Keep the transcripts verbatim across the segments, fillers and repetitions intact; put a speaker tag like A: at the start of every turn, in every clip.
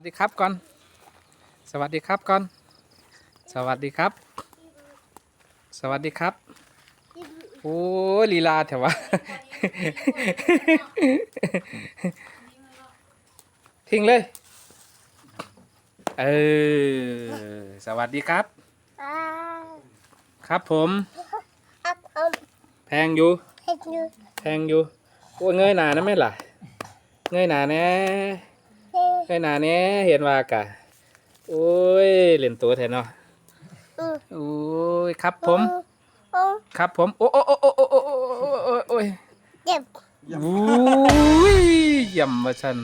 A: ดีครับก่อนสวัสดีครับก่อนสวัสดีครับสวัสดีครับโอ้ลีลาแถววะ ทิ้งเลยเออสวัสดีครับครับผมแพงอยู่แพงอยู่โอ้เงยหนานะแม่ล่ะเงยหนาแน่เงยหนาแน่เห็นว่ากะโอ้ยเล่นตัวแทนเนาะโอ้ยครับผมครับผมโอ้โอ้โอ้โอ้โอ้โอ้โอ้โอ้ยเจ็บโอ้ยย่ำมาฉัน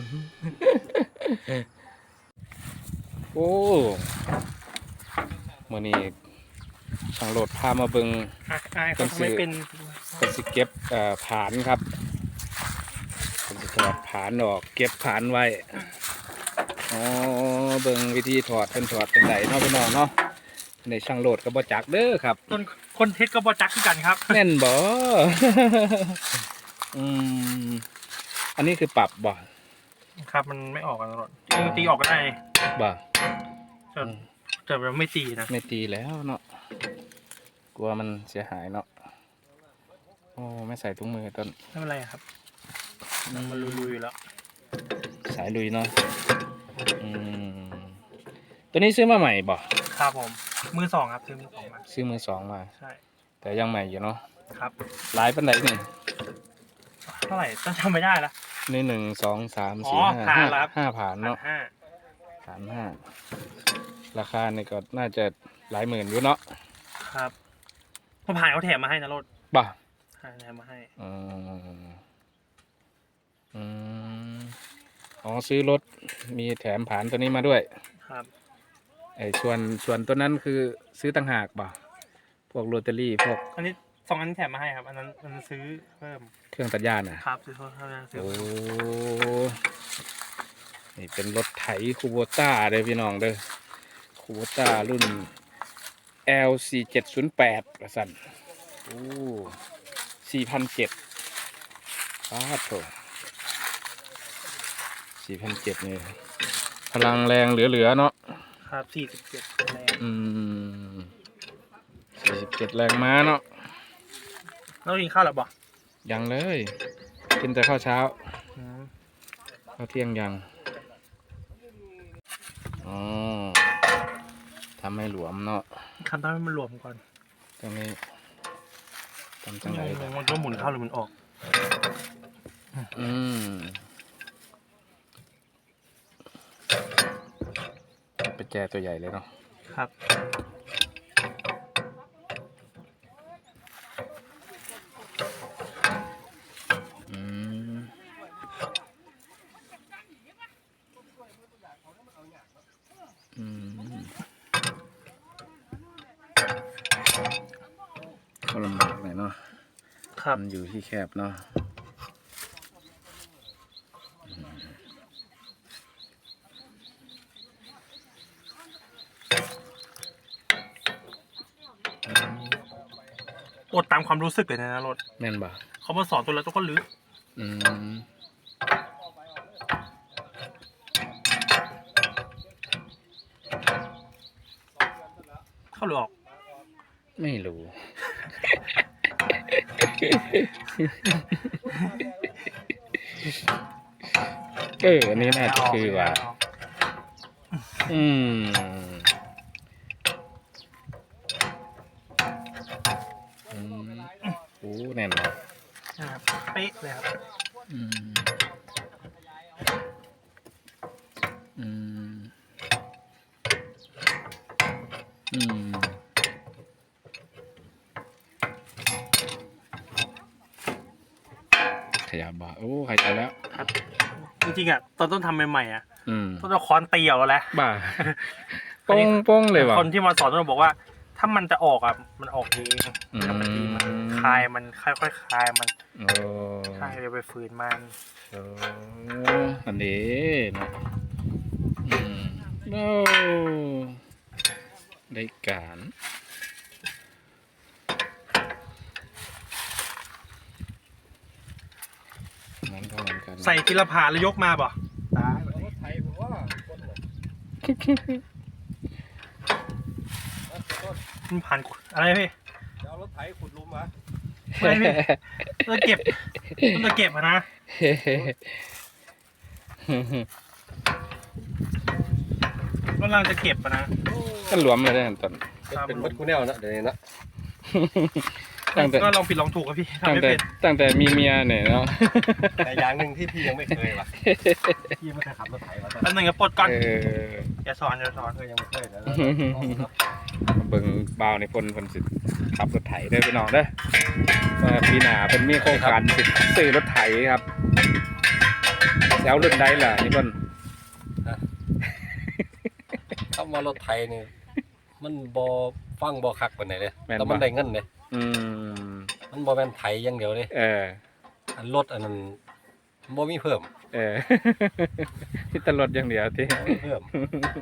A: โอ้มื่อนี้ช่างโหลดพามาเบิ่ง
B: คนทำไม่เป็น
A: เป็นสิเก็บเอ่อผานครับเป็นสิถอดผานออกเก็บผานไว้อ๋อเบิ่งวิธีถอดเป็นถอดเป็นไหนเนาะพี่น้องเนาะในช่างโหลดก็บ่จักเด้อครับ
B: คนคนเทสก็บอจักที่กันครับ
A: แน่นบ่ อืมอันนี้คือปรับบ่
B: ครับมันไม่ออกกันตลอดตีออกก็ได้
A: บ่
B: แต่แต่เราไม่ตีนะ
A: ไม่ตีแล้วเนาะกลัวมันเสียหายเนาะโอ้ไม่ใส่ถุงมือต้น
B: ไม่เป็นไรครับมันลุยๆอยู่แล้ว
A: สายลุยเนาะอืมตัวนี้ซื้อมาใหม่บ่
B: ครับผมมือสองครับซื้อมือสองมา
A: ซื้อมือสองมา
B: ใช่
A: แต่ยังใหม่อยู่เนาะ
B: ครับ
A: หลายปันไหนนี่
B: เท่าไหร่ต้องจำไม่ได้ละ
A: นี่หนึ่งสองสามสี่ห้าห้าห้าผ่านเนาะ
B: ห้า
A: สามห้าราคานี่ก็น่าจะหลายหมื่นอยู่เนาะ
B: ครับพอผ่านเขาแถมมาให้นะรถ
A: บ่
B: แถมมาให้
A: อืมอืมอ๋อซื้อรถมีแถมผ่านตัวนี้มาด้วย
B: ครับ
A: ไอ้ส่วนส่วนตัวนั้นคือซื้อต่างหากบ่พวกโรตารี่พวก
B: อันนี้สองอันนี้แถมมาให้ครับอันนั้นอันนั้นซื้อเพิ่ม
A: เครื่องตัดหญ้าน่ะ
B: ครับซื้อเพิ่มซื้อ
A: โอ้นี่เป็นรถไถคูโบต้าเลยพี่น้องเด้อคูโบต้ารุ่น แอล สี่เจ็ดศูนย์แปด กระสันโอ้ สี่พันเจ็ดร้อยป้าโถสี่พันเจ็ดนี่พลังแรงเหลือๆเนาะ
B: ครับสี่สิบเจ็ดแรง
A: อืมสี่สิบเจ็ดแรงม้าเนาะ
B: แล้วกินข้าวหรือเปล่า
A: ยังเลยกินแต่ข้าวเช้าข้าวเที่ยงยังอ๋อทำให้หลวมเนาะ
B: ทำให้มันหลวมก่อน
A: ตรงนี้ทำจังไร
B: มันก็หมุนเข้าหรือมันออก
A: อืมเป็นแจตัวใหญ่เลยเนาะ
B: ครับ
A: อืมอืมก็ลำบากหน่อยเนาะ
B: ครับ
A: มันอยู่ที่แคบเนาะ
B: อดตามความรู้สึกเลยนะรถ
A: แม่นบ่
B: เขามาสอนตัวแล้วตัวก็ลึก
A: อืม
B: เข้าหรือออก
A: ไม่รู้เอออันนี้น่าจะคือว่าอืมอืมโอ้แน่นอน
B: ครับเป๊ะเลยครับ
A: อืมอืมอืมขยับบ่โอ้ขยับแล้ว
B: ครับจริงๆอ่ะตอนต้นทำใหม่ๆอ่ะต้น
A: เอา
B: ค้อนตีเอาแล้ว
A: บ้าป้องป้องเลยว่ะ
B: คนที่มาสอนต้นบอกว่าถ้ามันจะออกอ่ะมันออกเองถ้ามันตีมันคลายมันค่อยๆคลายมันใช่ไปฝืนมัน
A: โอ้อันนี้นะอืมโอ้ได้การ
B: ใส่ทีละผ่าแล้วยกมาป่ะมันผ่านอะไรพี่
C: จะเอารถไถขุดหลุมเหรอ
B: ไม่พี่เราเก็บเราเก็บอะนะกำลังจะเก็บอะนะ
A: ก็หลวมเลยนะต้น
C: เป็นมัดกูแนวนะเดี๋ยวนี้นะ
A: ตั้งแต่
B: ก็ลองผิดลองถูกครับพี่ทำ
A: ตั้ง
B: ไม่
A: แต่
B: เป็น
A: ตั้งแต่มีเมียเนี่ยเนาะ
C: แต่อย่างหนึ่งที่พี่ยังไม่เคยว่ะพี่ไม่เคยขับรถไถมาตอน
B: อันหนึ่งก็ปลดก่อน
A: เออ
B: อย่าสอนอย่าสอน
C: เคยยังไม่เคยนะ
A: เบิ่งบ่าวในพลเพิ่นสิขับรถไถเด้อพี่น้องเด้อว่าปีหน้าเพิ่นมีโครงการสิซื้อรถไถครับแล้วรุ่นใดล่ะนี่เพิ่น
C: ถ้ามารถไถนี่มันบอฟังบอคักปานไหนเลยแต่มันได้เงินเลย
A: อืม
C: มันบอแม่นไถอย่างเดียวเลย
A: เออ
C: อันรถอันนั้นบอมีเพิ่ม
A: เออ ที่ตลดอย่างเดียวที่
C: บ่มีเพิ่ม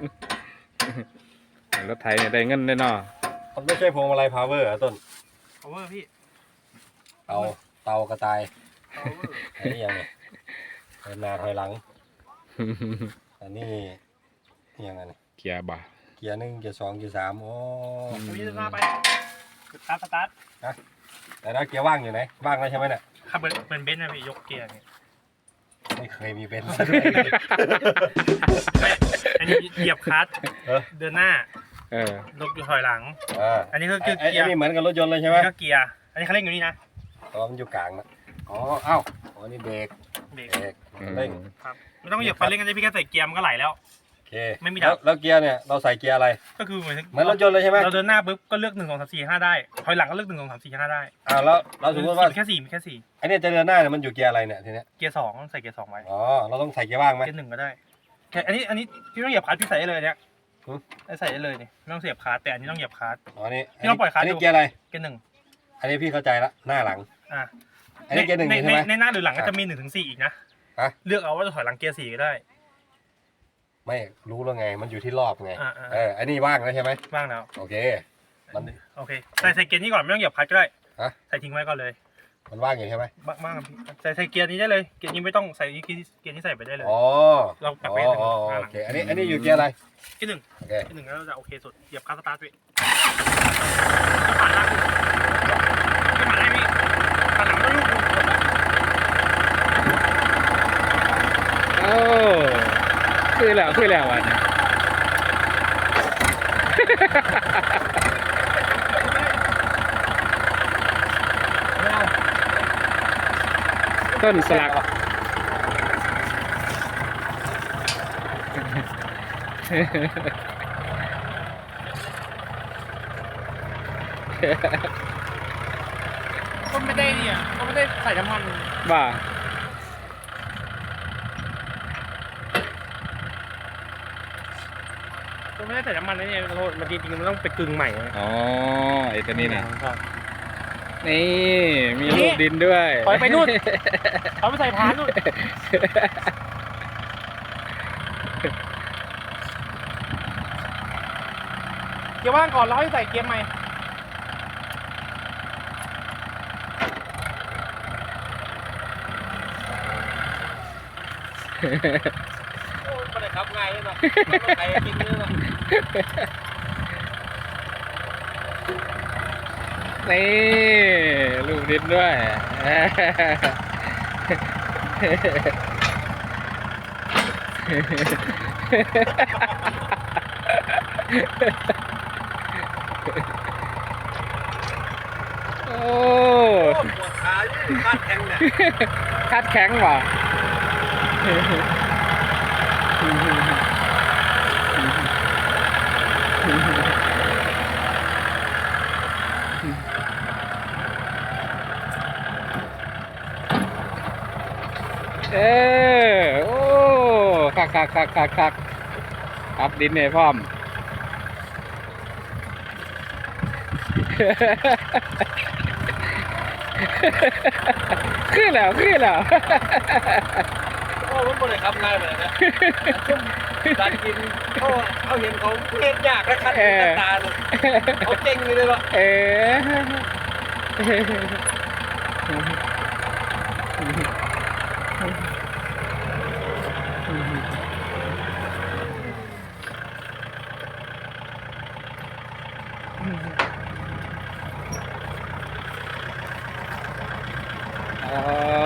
A: รถไถเนี่ยได้เงินแน่นอน
C: มันไม่ใช่พวงมาลัยพาวเวอร์อะต้น
B: เอาเวอร์พี่
C: เตาเตากระต่าย
B: เอาเวอร์
C: อันนี้ยังไงเดินหน้าถอยหลัง อันนี้นี่ยังไงนี่
A: เกียร์บ่า
C: เกียร์หนึ่งเกียร์สองเกียร์สามโอ้
B: พี่จะหน้าไปสตาร์ทสตาร์ท
C: แต่แล้วเกียร์ว่างอยู่ไหนว่างแล้วใช่ไหมเนี่ย
B: ขับเหมือนเหมือนเบนซ์นะพี่ยกเกียร์เนี่ย
C: ไม่เคยมีเป็นซะด้วย
B: ไม่อันนี้เหยียบคลัตช์
C: เออ
B: เดินหน้า
A: เออ
B: ลบอยู่ถอยหลัง
C: อ่า
B: อันนี้ก็
C: ไอ้
B: คือ
C: ไอ้
B: เกียร์
C: นี่เหมือนกับรถยนต์เลยใช่ไหม
B: นี่ก็เกียร์อันนี้เขาเร่งอยู่นี่นะ
C: อ๋อมันอยู่กลางนะอ๋อเอ้าอ๋อนี่เบรก
B: เบรก
C: เบรก
A: อืม
C: เร่ง
B: ครับไม่ต้องเหยียบคันเร่งกันเลยพี่แค่ใส่เกียร์มันก็ไหลแล้ว
C: โอเค
B: ไม่มีดับ
C: แล้วแล้วเกียร์เนี่ยเราใส่เกียร์อะไร
B: ก็คือเหมือน
C: เหมือนรถยนต์เลยใช่ไหม
B: เราเดินหน้าปุ๊บก็เลือกหนึ่งสองสามสี่ห้าได้ถอยหลังก็เลือกหนึ่งสองสามสี่ห้าได้
C: อ่าแล้วเราสมมติว่า
B: แค่สี่มีแค่สี่
C: ไอ้เนี่ยจะเดินหน้าเนี่ยมันอยู่เกียร์อะไรเนี่ยทีเนี้ย
B: เกียร์สองใส่เกียร์สองไว้
C: อ๋อเราต้องใส่เกียร์ว่างไหม
B: เกียร์หนึ่งก็ได้แค่อันนี้อันนี้พี่ต้องเหยียบคลัตช์พี่ใส่ได้เลยเนี่ย
C: หือ
B: ใส่ได้เลยเนี่ยไม่ต้องเสียบคลัตช์แต่อันนี้ต้องเหยียบคลัตช์
C: อ๋อนี่
B: พี่ลองปล่อยคลัตช์
C: อันนี้
B: ดู
C: เกียร์อะไร
B: เกียร์หนึ่ง
C: อันนี้พี่เข้าใจละหน้าหลัง
B: อ่ะ
C: อันนี้เกียร์หนึ่ง
B: ใน
C: ใช่ไหม
B: ในในหน้าหรือหลังก็จะมีหนึ่งถึงสี่อีกนะ
C: ฮะ
B: เลือกเอาว่าจะถอยหลังเกียร์สี่ก็ได้
C: ไม่รู้แล้วไงมันอยู่ที่รอบไง
B: อ่าอ่า
C: เอออันนี้ว่างแล้วใช่ไหม
B: บ้างแล้ว
C: โอเค มัน
B: โอเคใส่ใส่เกียร์นี้ก่อนไม่ต้องเหยียบคลัตช์ก็ได้
C: ฮะ
B: ใส่ทิ้งไว้ก่อนเลย
C: มันว่างอยู่ใช่ไหม
B: บ้างบ้างครับพี่ใส่ใส่เกียร์นี้ได้เลยเกียร์นี้ไม่ต้องใส่เกียร์เกียร์นี้ใส่ไปได้เลย
C: อ๋อ
B: เรากลับ
C: อ๋
B: ไป
C: อ
B: หนึ่ง
C: อ๋อ
B: หน้าห
C: โอ
B: ลัง
C: เคอันนี้อันนี้อยู่เกียร์อะไร
B: เกียร์หนึ่ง
C: โอเค
B: เกียร์หนึ่งแล้วเราจะโอเคสุดเหยียบคลัตช์สตาร์ทพี่ผ่านหน้าไม่ผ่านได้พี่ผ่านหลังไม่ลูก
A: โอ้คือแล้วคือแล้ววันนี้ต้นสลัก
B: ก็ไม่ได้เนี่ยก็ไม่ได้ใส่น้ำมัน
A: บ่า
B: ก็ไม่ได้ใส่น้ำมันนะเนี่ยโทษมันจริงๆมันต้องไปกึ่งใหม่นะ
A: อ๋อไอ้ตัวนี้นะ
B: ครับ
A: นี่มีลูกดินด้วย
B: ถอยไปนู่น เอาไปใส่พานนู่นเกียร์ว่างก่อนแล้วให้ใส่เกียร์ใหม่โอ้ยไม่ได้ขับง่ายเลยเนาะมันไกลจริงเลยเนาะ
A: นี่ลูกดินด้วย โอ้
C: ปวดขาอยู่คาดแข็งเนี่ย
A: คัดแข็งว่ะเออโอ้คักคักคักคักคักครับดินเนี่ยพร้อม ขึ้นแล้วขึ้นแล้ว
C: โอ้มันบ่ได้ขับง่ายเลยนะการกินเขาเขาเห็นเขาเห็นยากและคัดตาเลยเขาเก่งเลยเนาะ
A: เอ๋อ๋อ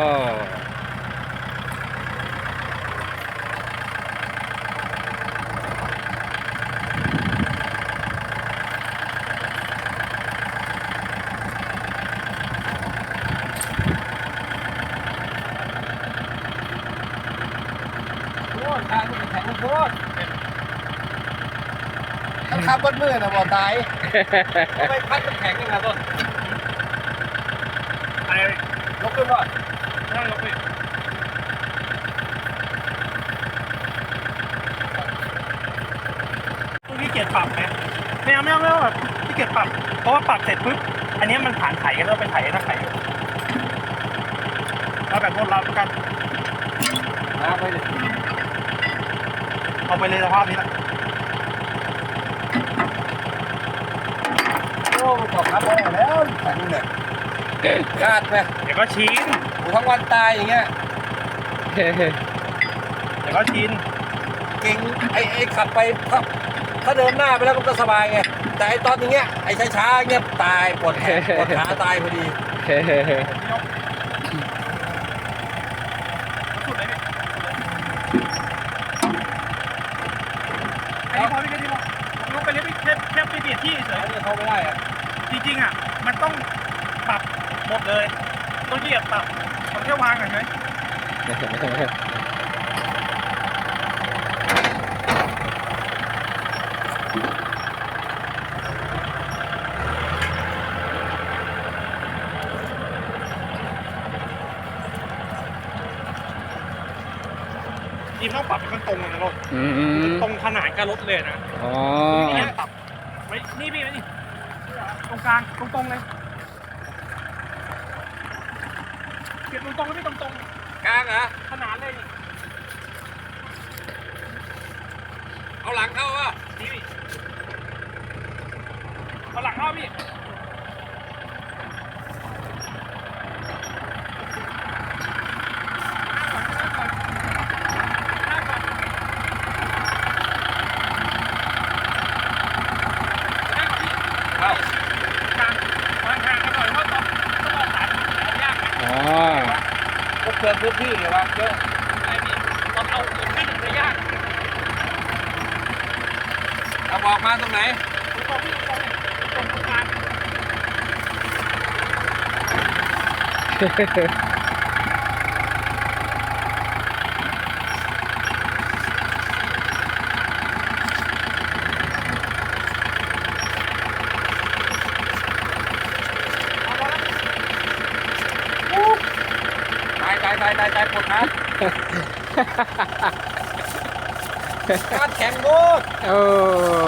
C: โอ้ทางมันแข็งโคตรถ้าขับบนมือนะบ่ตายทำไมพัดมันแข็งยังไงต้น
B: ไอ้
C: ยกขึ้นบ่
B: นั่งลงไปต้องขี้เกียจปรับไหมไม่เอาไม่เอาไม่เอาแบบขี้เกียจปรับเพราะว่าปรับเสร็จปุ๊บอันนี้มันผ่านไถกันแล้วไปไถนักไถเอาแบบรถเราแล้วกัน
C: มาไปเลย
B: เอาไปเลยสภาพนี้แหละ
C: โอ้มันบอกครับโอ้แล้วแข็งเนี่ยคาดไหม
B: เดี๋ยวก็ชิน
C: กูทั้งวันตายอย่างเงี้ย
B: เดี๋ยวก็ชิน
C: เก่งไอ้ไอ้ขับไปถ้าถ้าเดินหน้าไปแล้วมันก็สบายไงแต่ไอ้ตอนอย่างเงี้ยไอ้ช้าๆเงี้ยตายปวดแขนปวดขาตายพอดี
B: สุดเลยพี่แค่นี้พอพี่แค่นี้พอผมลงไปเลี้ยพี่แค่แค่ไปเบียดที่เฉย
C: อันนี้เข้าไม่ได้อะ
B: จริงๆอ่ะมันต้องปรับหมดเลยต้องเหยียบปรับผมแค่วางเฉยจริงต้องปรับให้มันตรงเลยนะรถ
A: อืม
B: ตรงขนาดกับรถเลยนะ
A: อ๋อ
B: นี่ปรับไว้นี่พี่ไว้นี่ตรงกลางตรงๆเลยเก็บตรงๆแล้วพี่ตรง
C: กลางเหรอ
B: ๆขนาดเลยนี่
C: เอาหลังเข้าอ่ะ
B: นี่พี่เอาหลังเข้าพี่
C: เข้าก
B: ลางวางทางกันหน่อยเพราะต้องต้องออกสายมันยากไหม
A: อ๋อ
C: ก็เปลืองพื้นที่ไงวะเยอะ
B: ไอ้พี่ตอนเอาขึ้นจะยาก
C: เอาบอกมาตรงไหน
B: ตรงพี่ตรงตรงกลาง
C: ตายตายตายตายตายปวดขาการแข็งโคตร
A: เออ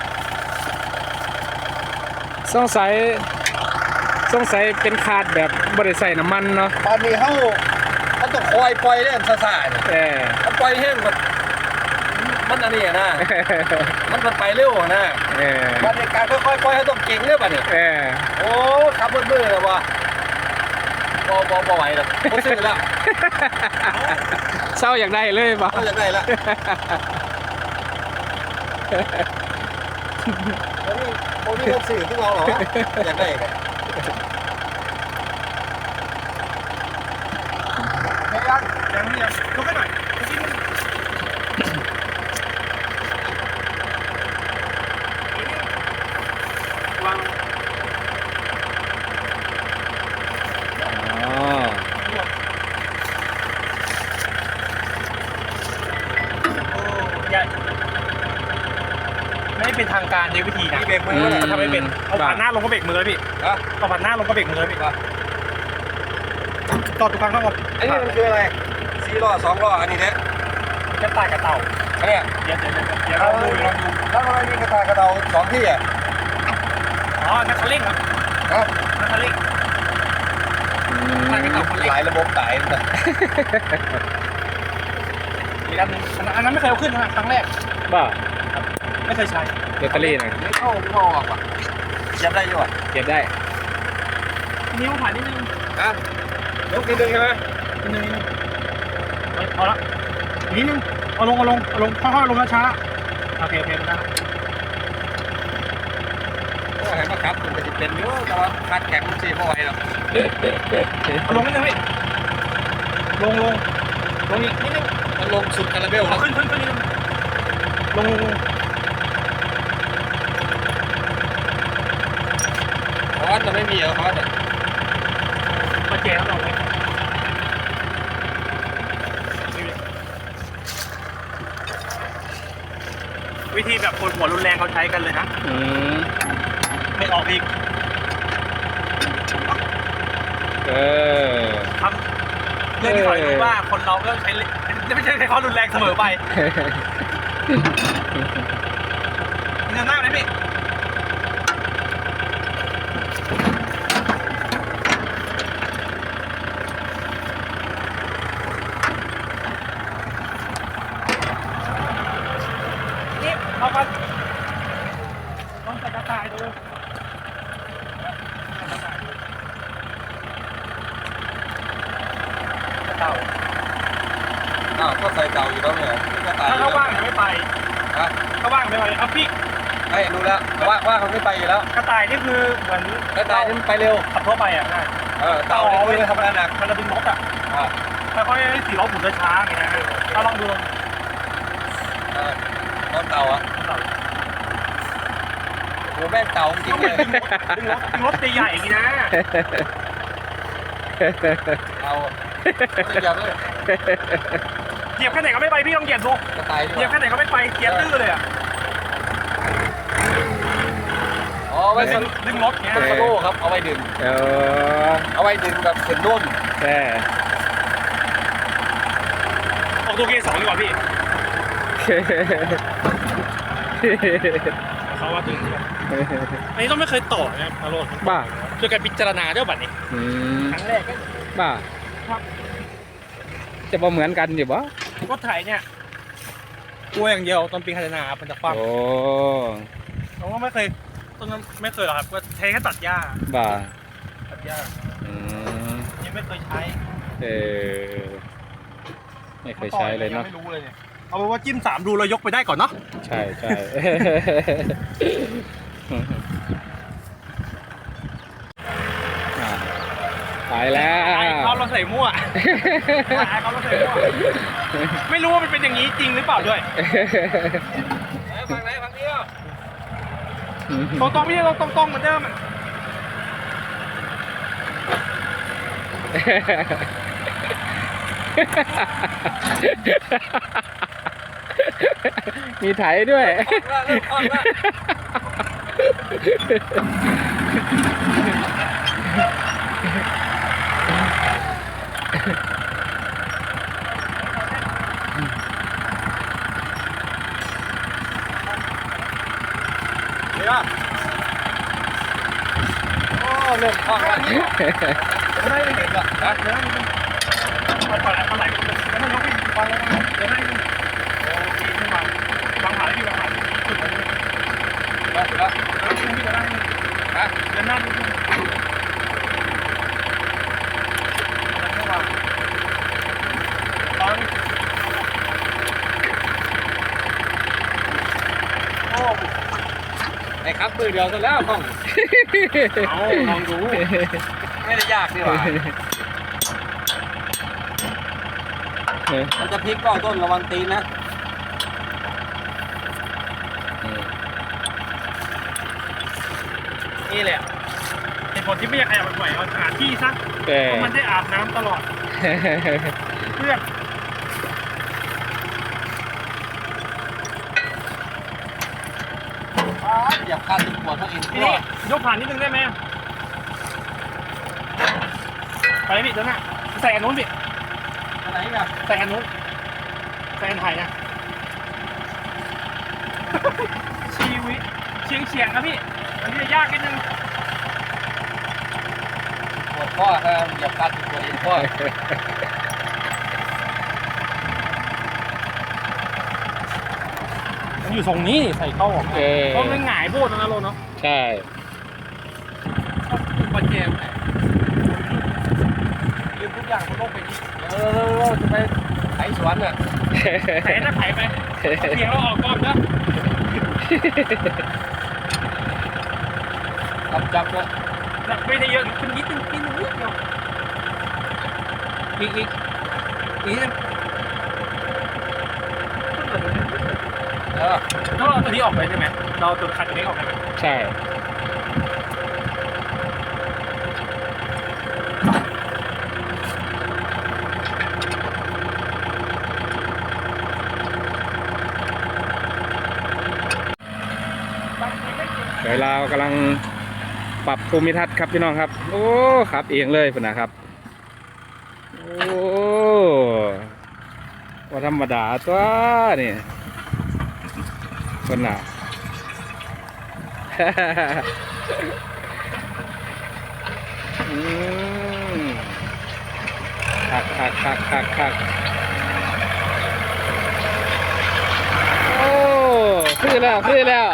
A: สงสัยสงสัยเป็นคาดแบบบริใส่น้ำมันเนาะ
C: ตอนนี้เขาเขาต้องคอยปล่อยเล่นซาซาเนี่ย
A: เออ
C: ถ้าปล่อยแห้งมันมันอันนี้อะนะ มันมันไปเร็วอะนะ
A: เออ
C: มันในการค่อยๆปล่อยเขาต้องเก่งเรื่อยป่ะเนี่ย
A: เออ
C: โอ้ขับมืดมืดเลยวะบอบอบอไหวแล้วผมซื้อแล้ว
A: เศร้าอยากได้เลยป่ะ
C: เขาอยากได้ละผมมีผมมีเงินสื่อที่เราเหรออยากได้ไงยัง
B: ยังไม่ยังยกให้หน่อยจริงวาง
A: อ๋อ
B: อย่าไม่เป็นทางการในวิธีนะ
C: มีเบรกมือแล้ว
B: ทำไม่เป็นเอาผ่านหน้าลงก็เบรกมือเลยพี่
C: ฮะ
B: เอาผ่านหน้าลงก็เบรกมือเลยพี่จอดทุกครั้งต้องเอา
C: อันนี้มันคืออะไรสี่ล้อสองล้ออันนี้เนี่ย
B: จะตายกับเต่า
C: อันเนี้ย
B: เดี๋ยวเดี๋ยวเดี๋ยวเดี๋ยวเราดูลองดู
C: แล้วทำไมมีกระต่ายกระเดาสองที่อ่ะ
B: อ๋อนักคันเร่งครับ
C: ฮะ
B: นักคันเร่ง
C: หลายระบบตายเลย
B: อีกอันหนึงอันนั้นอันนั้นไม่เคยเอาขึ้นนะครั้งแรก
A: บ้า
B: ไม่เคยใช้
A: แบตเตอรี่หน่อย
C: ไม่เข้าไม่เข้าออกอ่ะยับได้อยู่อ่ะ
A: เก็บได้
B: นิ้วผ่านนิดนึง
C: ฮะยกนิดนึงใช่ไหม
B: นิดนึงนิดนึงเฮ้ยพอละอีกนิดนึงเอาลงเอาลงเอาลงค่อยๆลงช้าๆโอเคโอเคนะครับ
C: โอ้เห็นครับมันก็จะเป็นเยอะแต่ว่าคาดแข็งมันเสียพอไหวหรอก
B: เอาลงนิดนึงพี่ลงลงลงอีกนิดนึง
C: มันลงสุดคาราเบล
B: เอา
C: แล้ว
B: ขึ้นขึ้นขึ้นนิดนึงลงลงลง
C: คอสจะไม่มีเหรอคอสอ่ะ
B: มาแจกเราไหมวิธีแบบคนหัวรุนแรงเขาใช้กันเลยนะ
A: อืม
B: ไม่ออกอีก
A: เออ
B: ทำเรื่องที่สอนรู้ว่าคนเราก็ใช้ไม่ใช่ใช้ความรุนแรงเสมอไปเงินหน้าไหมพี่นี่เอากันต้องใส่กระต่ายดูเต่า
C: อ้าวก็ใส่เต่าอยู่แล้วเนี่ยก็ตาย
B: ถ้าเขาว่างจะไม่ไป
C: ฮะ
B: เขาว่างไม่ไปเอาพี่
C: ไม่รู้แล้วว่าว่าเขาไม่ไปอยู่แล้ว
B: กระต่ายนี่คือเหมือน
C: ก็ตายนี่มันไปเร็ว
B: ขับทั่วไปอ่ะใช่
C: เออเต่าเนี่ยคือทำงานหนัก
B: มันจะเป็นรถอ่ะ
C: อ่า
B: ค่อยๆสี่ล้อหมุนช้าๆอย่างเงี้ยถ้าลองดูลอง
C: เออรถเต่าอ่ะโอ้แม่งเต่าจริงเลย
B: ดึงรถดึงรถใหญ่ๆอย่างงี้นะ
C: เอาไม่อยากเลย
B: เหยียบแค่ไหนก็ไม่ไปพี่ลองเหยียบดู
C: กระต่ายดี
B: เหยียบ
C: ก
B: แค่
C: ว่า
B: ไหนก็ไม่ไปเกียร์ตื้อเลยอ่ะ
C: อ๋อไว้ส
B: ดึงดึงรถเงี้ย
C: สโลว์ครับเอาไว้ดึง
A: เออ
C: เอาไว้ดึงแบบขึ้นนุ่น
A: แค่
B: ออกตัวเกียร์สองดีกว่าพี่เขาว่าตึงอันนี้ต้องไม่เคยต่อนะครับอารมณ์
A: บ้า
B: โดยการพิจารณาด้วยบัตรนี้
A: อืม
B: ครั้งแรกก็
A: บ้า จะมาเหมือนกันอยู่บ่
B: รถไถเนี่ยกลัวอย่างเดียวตอนปีพัฒนามันจะคว่ำ
A: โอ้
B: ผมก็ไม่เคยต้นนั้นไม่เคยหรอกครับก็ใช้แค่ตัดหญ้า
A: บ้า
B: ตัดหญ้า
A: อืม
B: ยังไม่เคยใช้
A: เออไม่เคยใช้เลยเนาะ
B: ไม่รู้เลยเนี่ยเอาเป็นว่าจิ้มสามดูเรายกไปได้ก่อนเนาะ
A: ใช่ใช่ อ่ะไปแล้ว
B: ไอ้เขาเราใส่มั่วไอ้เขาเราใส่มั่วไม่รู้ว่ามันเป็นอย่างนี้จริงหรือเปล่าด้วย
C: ฝั่งไหนฝั่งนี้อ่ะ
B: ตรงตรงไม่ใช่ตรงตรงเหมือนเดิมอ่ะ
A: มีไถด้วย
C: เริ่มคล่องแล้วเดี๋ยวโอ้เริ่มคล่องแล้ว
B: ไม่ได้ไม่ได้
C: ฮะ
B: เดี๋ยวนะมันปล่อยอะไรแล้วมันยกขึ้นไปแล้วนะเดี๋ยวนะโอ้ดีขึ้นมาบางหาที่บางหาที่สุดเลย
C: แล้วแล้ว
B: แล้วคุณพี่จะได้
C: ฮะ
B: เดินหน้าดูดูฟังโอ้
C: ไอ้ครับมือเดียวซะแล้วคล่อง
B: เอาลองดู
C: ไม่ได้ยากนี่หว่ามันจะพลิกเป้าต้นระวังตีนนะ
B: นี่แหละเหตุผลที่ไม่อยากขยับบ่อยเอาหาที่ซะ
A: แต่
B: เพราะมันได้อาบน้ำตลอดเพื่อน
C: เหยียบคันปวดทั้งอิน
B: ที
C: ทั่ว
B: นี้ยกผ่านนิดนึงได้ไหมไปเลยพี่เดี๋ยวนะใส่อันนู้นพี่
C: อันไหนกัน
B: ใส่อันนู้นใส่อันไทยนะชีวิตเฉียงเฉียงๆนะพี่อันนี้จะยากนิดนึง
C: ปวดข้อถ้าเหยียบคันปวดอินข้อ
B: มันอยู่ทรงนี้นี่ใส่เข้าออก
A: เออ
B: เพราะมันหงายโบดนะโลเนาะ
A: ใช่
C: ปัจเจม
B: ลืมทุกอย่างบนโลกใบนี้
C: เออจะไปไถสวนอ่ะ
B: ไถนะไถไปเพียงเราออกก่อนนะ
C: จับจับแล้ว
B: น่ะไม่ได้เยอะขึ้นนิดนึงนิดนึงนิดเดียว
C: อีกอีกอีกนิดนึงเออ
B: ต้องเอาตัวนี้ออกไปใช่ไหมเราเอาตัวคันตัวนี้ออกไปไหม
A: ใช่เดี๋ยวเรากำลังปรับภูมิทัศน์ครับพี่น้องครับ โอ้ครับเองเลยพุ่นนะครับ โอ้ว่าธรรมดาตัวนี่คนน่ะ อืมคักคักคักคักคักโอ้ซื้อแล้วซื้อแล้ว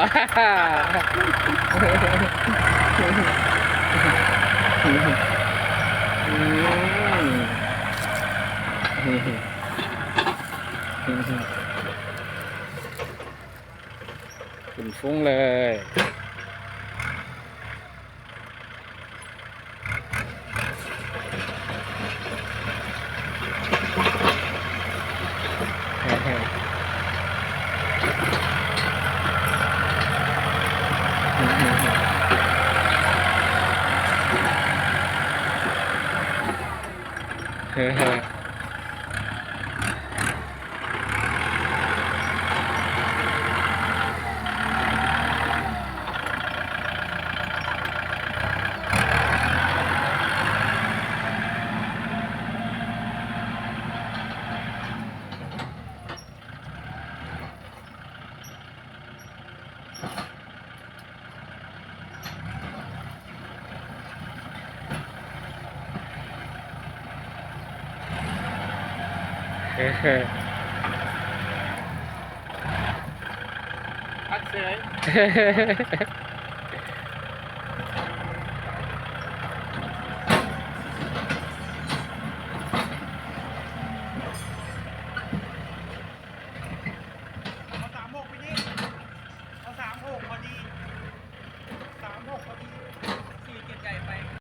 A: ขึ้นฟุ้งเลย เฮ้ยเฮ้ย
C: พักเสย
A: เฮ้ย